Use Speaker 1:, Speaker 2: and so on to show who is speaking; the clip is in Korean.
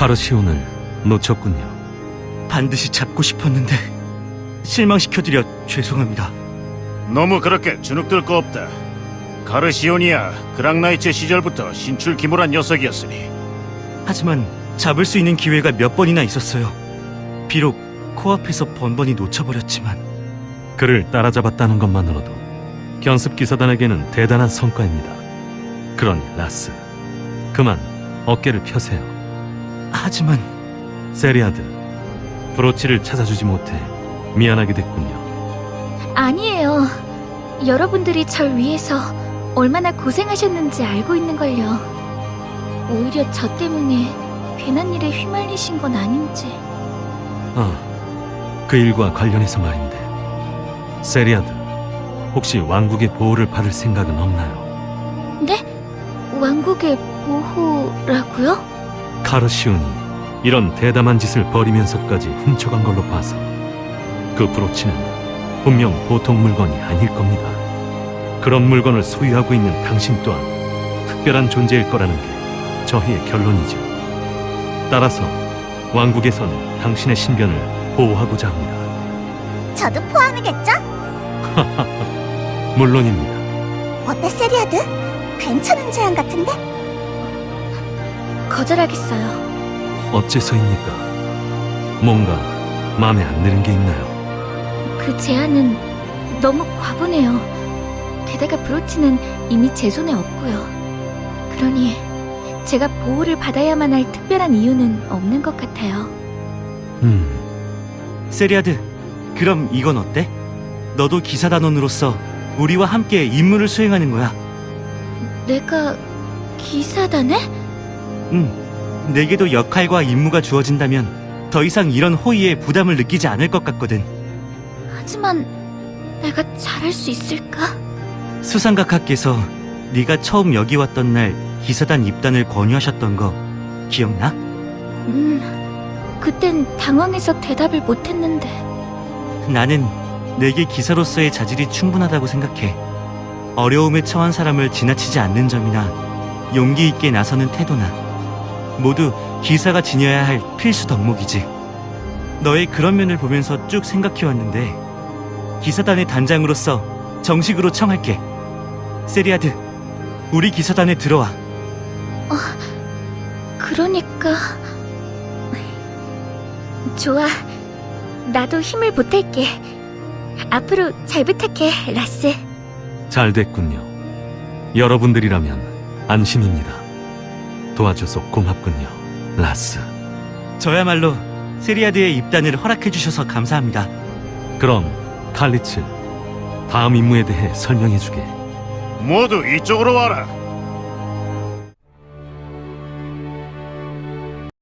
Speaker 1: 카르시온을 놓쳤군요.
Speaker 2: 반드시 잡고 싶었는데 실망시켜드려 죄송합니다.
Speaker 3: 너무 그렇게 주눅들 거 없다. 가르시온이야 그랑나이츠 시절부터 신출기몰한 녀석이었으니.
Speaker 2: 하지만 잡을 수 있는 기회가 몇 번이나 있었어요. 비록 코앞에서 번번이 놓쳐버렸지만.
Speaker 1: 그를 따라잡았다는 것만으로도 견습기사단에게는 대단한 성과입니다. 그러니 라스, 그만 어깨를 펴세요.
Speaker 2: 하지만
Speaker 1: 세리아드, 브로치를 찾아주지 못해 미안하게 됐군요.
Speaker 4: 아니에요. 여러분들이 절 위해서 얼마나 고생하셨는지 알고 있는걸요. 오히려 저 때문에 괜한 일에 휘말리신 건 아닌지.
Speaker 1: 그 일과 관련해서 말인데, 세리아드, 혹시 왕국의 보호를 받을 생각은 없나요?
Speaker 4: 네? 왕국의 보호라고요?
Speaker 1: 카르시온이 이런 대담한 짓을 벌이면서까지 훔쳐간 걸로 봐서 그 브로치는 분명 보통 물건이 아닐 겁니다. 그런 물건을 소유하고 있는 당신 또한 특별한 존재일 거라는 게 저희의 결론이죠. 따라서 왕국에선 당신의 신변을 보호하고자 합니다.
Speaker 5: 저도 포함이겠죠?
Speaker 1: 물론입니다.
Speaker 5: 어때, 세리아드? 괜찮은 제안 같은데?
Speaker 4: 거절하겠어요.
Speaker 1: 어째서입니까? 뭔가 마음에 안 드는 게 있나요?
Speaker 4: 그 제안은 너무 과분해요. 게다가 브로치는 이미 제 손에 없고요. 그러니 제가 보호를 받아야만 할 특별한 이유는 없는 것 같아요.
Speaker 2: 세리아드, 그럼 이건 어때? 너도 기사단원으로서 우리와 함께 임무를 수행하는 거야.
Speaker 4: 내가 기사단에?
Speaker 2: 내게도 역할과 임무가 주어진다면 더 이상 이런 호의에 부담을 느끼지 않을 것 같거든.
Speaker 4: 하지만 내가 잘할 수 있을까?
Speaker 2: 수상각하께서 네가 처음 여기 왔던 날 기사단 입단을 권유하셨던 거 기억나?
Speaker 4: 그땐 당황해서 대답을 못했는데.
Speaker 2: 나는 내게 기사로서의 자질이 충분하다고 생각해. 어려움에 처한 사람을 지나치지 않는 점이나 용기 있게 나서는 태도나 모두 기사가 지녀야 할 필수 덕목이지. 너의 그런 면을 보면서 쭉 생각해왔는데 기사단의 단장으로서 정식으로 청할게. 세리아드, 우리 기사단에 들어와.
Speaker 4: 그러니까... 좋아. 나도 힘을 보탤게. 앞으로 잘 부탁해, 라스.
Speaker 1: 잘 됐군요. 여러분들이라면 안심입니다. 도와줘서 고맙군요, 라스.
Speaker 2: 저야말로 세리아드의 입단을 허락해주셔서 감사합니다.
Speaker 1: 그럼 칼리츠, 다음 임무에 대해 설명해주게.
Speaker 3: 모두 이쪽으로 와라.